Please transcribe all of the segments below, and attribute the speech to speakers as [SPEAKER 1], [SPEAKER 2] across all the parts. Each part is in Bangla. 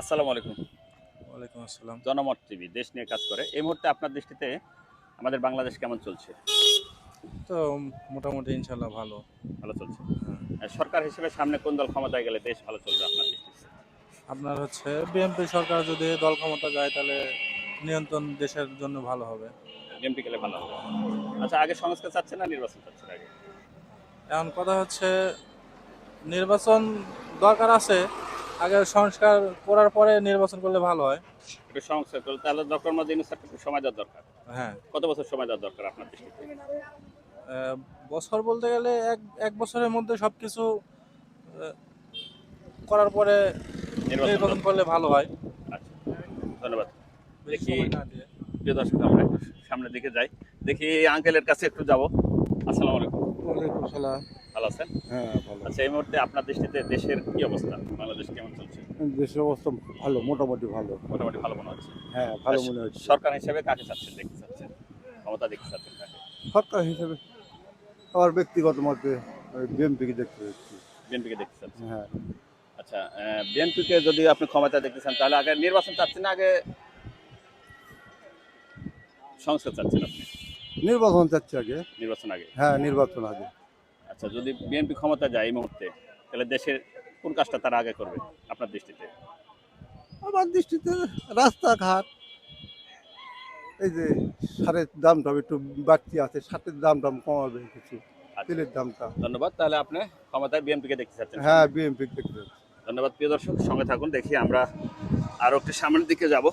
[SPEAKER 1] আসসালামু আলাইকুম।
[SPEAKER 2] ওয়ালাইকুম আসসালাম।
[SPEAKER 1] জনমত টিভি দেশ নিয়ে কাজ করে। এই মুহূর্তে আপনার দৃষ্টিতে আমাদের বাংলাদেশ কেমন চলছে?
[SPEAKER 2] তো মোটামুটি ইনশাল্লাহ ভালো।
[SPEAKER 1] ভালো চলছে।
[SPEAKER 2] হ্যাঁ।
[SPEAKER 1] সরকার হিসেবে সামনে কোন দল ক্ষমতায় গেলে দেশ ভালো চলবে আপনার দৃষ্টিতে?
[SPEAKER 2] আপনার হচ্ছে বিএনপি সরকার যদি দল ক্ষমতা যায় তাহলে নিয়ন্ত্রণ দেশের জন্য ভালো হবে।
[SPEAKER 1] বিএনপি গেলে ভালো হবে। আচ্ছা, আগে সংস্কার চাচ্ছেন না নির্বাচন চাচ্ছেন আগে?
[SPEAKER 2] এখন কথা হচ্ছে নির্বাচন দরকার আছে, আগে সংস্কার করার পরে নির্বাচন করলে ভালো হয়।
[SPEAKER 1] একটু সংস্কার করলে তাহলে ডক্টর মোহাম্মদ ইউনূস স্যারকে একটু সময় দেওয়ার দরকার।
[SPEAKER 2] হ্যাঁ।
[SPEAKER 1] কত বছর সময় দেওয়ার দরকার আপনার দৃষ্টিতে?
[SPEAKER 2] বছর বলতে গেলে এক এক বছরের মধ্যে সবকিছু আহ, করার পরে
[SPEAKER 1] নির্বাচন
[SPEAKER 2] নির্বাচন
[SPEAKER 1] দরকার।
[SPEAKER 2] করলে ভালো হয়।
[SPEAKER 1] আচ্ছা, ধন্যবাদ।
[SPEAKER 2] বেশি
[SPEAKER 1] দেখি
[SPEAKER 2] সময় না দিয়ে।
[SPEAKER 1] প্রিয় দর্শক, আমরা একটু সামনের দিকে যাই। দেখি আঙ্কেলের কাছে একটু যাব। আসসালামু আলাইকুম।
[SPEAKER 3] ওয়ালাইকুম সালাম।
[SPEAKER 1] ভালো আছেন?
[SPEAKER 3] হ্যাঁ, ভালো।
[SPEAKER 1] আচ্ছা, এই মুহূর্তে আপনার দৃষ্টিতে দেশের কি অবস্থা? বাংলাদেশ কেমন চলছে?
[SPEAKER 3] দেশের অবস্থা ভালো, মোটামুটি ভালো।
[SPEAKER 1] মোটামুটি ভালো মনে হচ্ছে।
[SPEAKER 3] হ্যাঁ, ভালো মনে হচ্ছে।
[SPEAKER 1] সরকার হিসেবে কাকে চাচ্ছেন, দেখতে চাচ্ছেন? ক্ষমতা দেখতে চাচ্ছেন কাকে?
[SPEAKER 3] সরকার হিসেবে আমার ব্যক্তিগত মতে বিএনপিকে দেখতে হচ্ছে।
[SPEAKER 1] বিএনপিকে দেখতে চাচ্ছেন।
[SPEAKER 3] হ্যাঁ,
[SPEAKER 1] আচ্ছা, বিএনপিকে যদি আপনি ক্ষমতা দেখতে চান তাহলে আগে নির্বাচন চাচ্ছেন না আগে সংস্কার চাচ্ছেন আপনি?
[SPEAKER 3] নির্বাচন চাচ্ছি আগে।
[SPEAKER 1] নির্বাচন আগে।
[SPEAKER 3] হ্যাঁ, নির্বাচন আগে।
[SPEAKER 1] আচ্ছা, যদি বিএনপি ক্ষমতা যায় এই মুহূর্তে তাহলে দেশের কোন কাজটা তারা আগে করবে আপনার দৃষ্টিতে?
[SPEAKER 3] আমার দৃষ্টিতে রাস্তাঘাট, এই যে সারের দামটা একটু বাড়তি আছে, সারের দামটা কমাবে কিছু,
[SPEAKER 1] আচ্ছা,
[SPEAKER 3] তেলের দামটা।
[SPEAKER 1] ধন্যবাদ। তাহলে আপনি ক্ষমতায় বিএনপিকে দেখতে চাচ্ছেন?
[SPEAKER 3] হ্যাঁ, বিএনপি দেখতে হচ্ছে।
[SPEAKER 1] ধন্যবাদ। প্রিয় দর্শক, সঙ্গে থাকুন। দেখি আমরা আরো একটু সামনের দিকে যাব।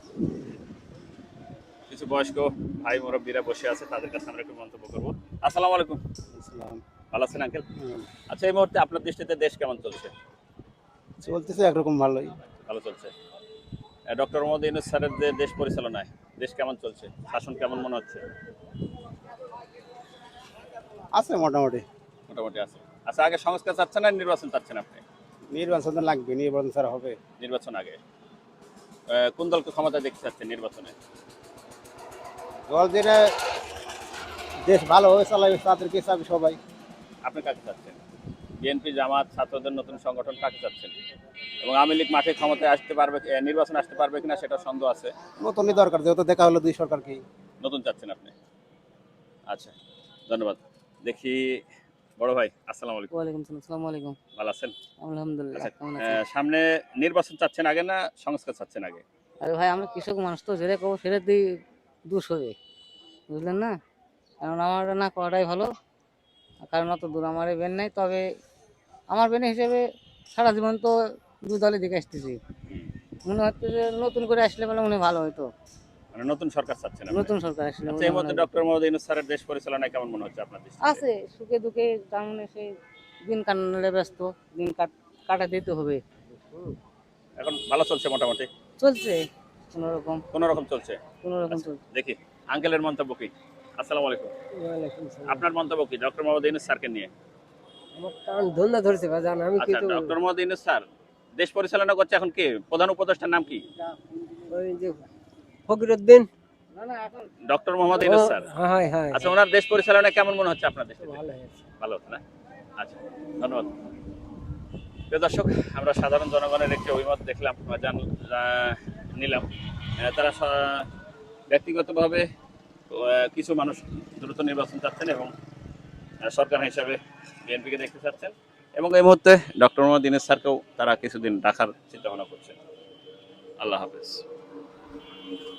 [SPEAKER 1] কিছু বয়স্ক ভাই মুরব্বীরা বসে আছে, তাদের কাছে আমরা একটু মন্তব্য করবো। আসসালামু আলাইকুম। ভালো আছেন আঙ্কেল? আচ্ছা, এই মুহূর্তে আপনার দৃষ্টিতে দেশ কেমন চলছে?
[SPEAKER 3] চলতেছে একরকম ভালোই।
[SPEAKER 1] ভালো চলছে। ডক্টর মোহাম্মদ ইউনূস স্যারের যে দেশ পরিচালনায় দেশ কেমন চলছে, শাসন কেমন মনে হচ্ছে?
[SPEAKER 3] আছে মোটামুটি।
[SPEAKER 1] মোটামুটি আছে। আচ্ছা, আগে সংস্কার চাচ্ছেন না নির্বাচন চাচ্ছেন আপনি?
[SPEAKER 3] নির্বাচন তো লাগবে, নির্বাচন ছাড়া হবে।
[SPEAKER 1] নির্বাচন আগে। কোন দলকে ক্ষমতা দেখতে চাচ্ছেন নির্বাচনে?
[SPEAKER 3] দল যেটা দেশ ভালো হয়ে চালাবে তাদেরকে চাবে সবাই।
[SPEAKER 1] আপনি কাকে চাচ্ছেন? বিএনপি, জামাত, ছাত্রদের নতুন সংগঠন, কাকে চাচ্ছেন? এবং আওয়ামী লীগ মাঠে ক্ষমতায় আসতে পারবে, নির্বাচন আসতে পারবে কিনা সেটা সন্দেহ আছে।
[SPEAKER 3] নতুনই দরকার, যেহেতু দেখা হলো দুই সরকারকে।
[SPEAKER 1] নতুন চাচ্ছেন আপনি? আচ্ছা, ধন্যবাদ। দেখি বড় ভাই, আসসালামু আলাইকুম।
[SPEAKER 4] ওয়ালাইকুম সালাম। আসসালামু আলাইকুম।
[SPEAKER 1] ভালো আছেন?
[SPEAKER 4] আলহামদুলিল্লাহ।
[SPEAKER 1] আচ্ছা,
[SPEAKER 4] কেমন আছেন?
[SPEAKER 1] সামনে নির্বাচন চাচ্ছেন আগে না সংস্কার চাচ্ছেন আগে?
[SPEAKER 4] আরে ভাই, আমরা কৃষক মানুষ, তো যেটা করবো সেটাতেই দোষ হবে, বুঝলেন না? কারণ আমার না করাটাই ভালো। কারণ অত দূর আমার বেন নাই, তবে আমার বেন হিসেবে সারা জীবন তো দুই দলে দিকে আসতেছি। মনে হচ্ছে যে নতুন করে আসলে বলে মনে হয় ভালো হতো।
[SPEAKER 1] মানে নতুন সরকার চাচ্ছেন আপনি?
[SPEAKER 4] নতুন সরকার আসলে
[SPEAKER 1] আচ্ছা,
[SPEAKER 4] মনে
[SPEAKER 1] এই
[SPEAKER 4] হয়
[SPEAKER 1] মধ্যে
[SPEAKER 4] ভালো হতো।
[SPEAKER 1] ডক্টর মোহাম্মদ ইউনূস স্যারের দেশ পরিচালনায় কেমন মনে হচ্ছে আপনার দৃষ্টিতে?
[SPEAKER 4] আছে সুখে দুঃখে, তার মানে সেই দিন কাটালে ব্যস্ত, দিন কাটা দিতে হবে।
[SPEAKER 1] এখন ভালো চলছে মোটামুটি?
[SPEAKER 4] চলছে কোনো রকম,
[SPEAKER 1] কোন রকম চলছে।
[SPEAKER 4] কোনো রকম
[SPEAKER 1] আচ্ছা,
[SPEAKER 4] চলছে।
[SPEAKER 1] দেখি আঙ্কেলের মন্তব্য কি। আসসালামু আলাইকুম। আপনার মন্তব্য কি ডক্টর মোহাম্মদ ইউনূস স্যারকে নিয়ে?
[SPEAKER 5] আমার কান ধন্দা ধরেছে বাজান, আমি
[SPEAKER 1] আচ্ছা,
[SPEAKER 5] কিন্তু
[SPEAKER 1] ডক্টর মোহাম্মদ ইউনূস স্যার দেশ পরিচালনা করছে, এখন কি প্রধান উপদেষ্টার নাম কি?
[SPEAKER 5] ওই যে ফকিরউদ্দিন।
[SPEAKER 4] না না, এখন
[SPEAKER 1] ডক্টর মোহাম্মদ ইউনূস স্যার।
[SPEAKER 5] হ্যাঁ হ্যাঁ,
[SPEAKER 1] আচ্ছা, ওনার দেশ পরিচালনা কেমন মনে হচ্ছে আপনার দৃষ্টিতে?
[SPEAKER 5] ভালো হয়েছে।
[SPEAKER 1] ভালো হচ্ছে না? আচ্ছা, ধন্যবাদ। প্রিয় দর্শক, আমরা সাধারণ জনগণের একটি অভিমত দেখলাম বা নিলাম। তারা ব্যক্তিগতভাবে কিছু মানুষ দ্রুত নির্বাচন চাচ্ছেন এবং সরকার হিসাবে বিএনপিকে দেখতে চাচ্ছেন, এবং এই মুহূর্তে ডক্টর মোহাম্মদ ইউনূস স্যারকেও তারা কিছুদিন রাখার চিন্তা ভাবনা করছেন। আল্লাহ হাফেজ।